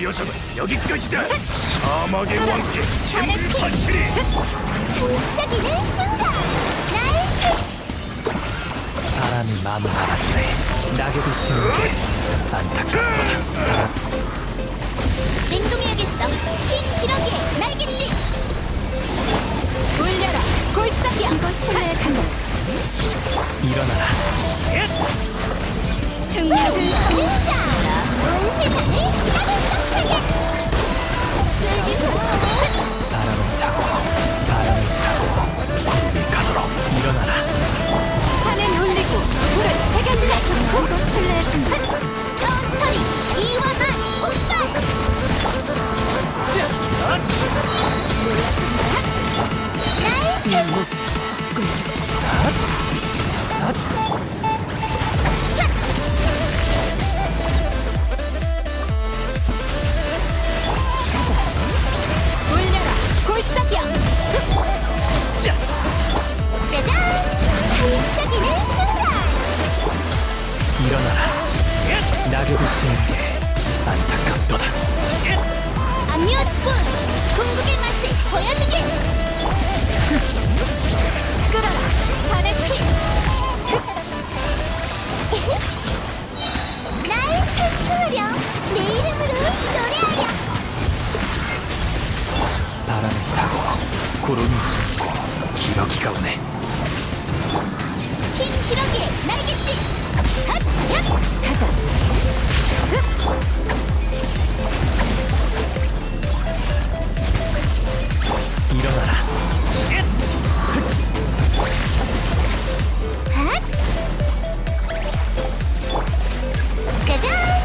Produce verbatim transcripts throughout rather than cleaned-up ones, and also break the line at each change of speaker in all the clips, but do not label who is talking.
여정은 여기까지다. 사막의 왕께 잼물판치리.
반짝이는 순간 날 찾
바람이 마음을 알아주네. 낙엽이 지는 게 안타깝다.
냉동해야겠어. 흰 기러기의 날갯짓 올려라 골짜기야. 이거 신뢰의 가자.
일어나라.
흥미로운 등장. 온 세상을 따뜻하게
바람을 타고 바람을 타고 구름이 가도록 일어나라.
산을 올리고 불을 새겨주네. 이거 신뢰의 가자. 천천히 이완한 폭발. 날 찾 올려라 골짜기야. 짜잔 반짝이는 순간
일어나라. 낙엽이 지는 게 안타깝도다.
안미워뿐 궁극의 맛을 보여주게. 끌어라 산의 피. 날 찬송하렴. 내 이름으로 노래하렴.
바람을 타고 구름이 숨고 기러기가 오네.
흰 기러기의 날갯짓 핫! 야! 가자.
일어나라.
핫! 짜잔!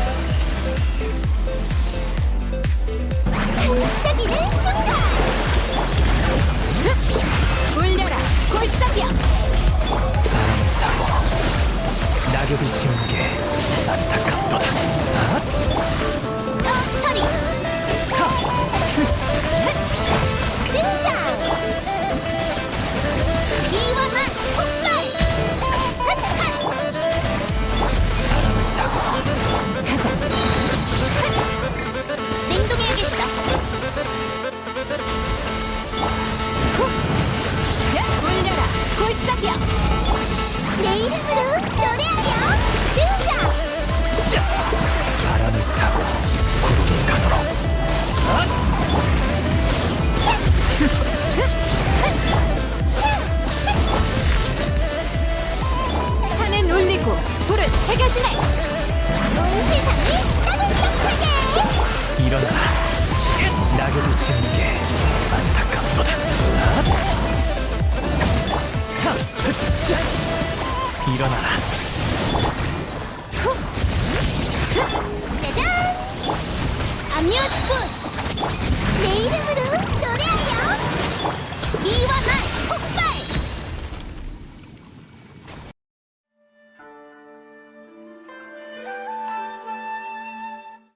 반짝이는 순간 올려라 골짜기야.
바람을 타고 낙엽이 지는 게 안타깝도다.
천천히 등장. 이완한 폭발. 핫핫.
바람을 타고
가자. 냉동해야겠다. 후. 야, 올려라 골짜기야. 내 이름으로 노래하렴. 등장.
바람을 타고 구름이 가도록
산은 올리고 불을 새겨주네. 온 세상을 따뜻하게.
일어나라. 낙엽이 지는 게 안타깝도다. 일어나라.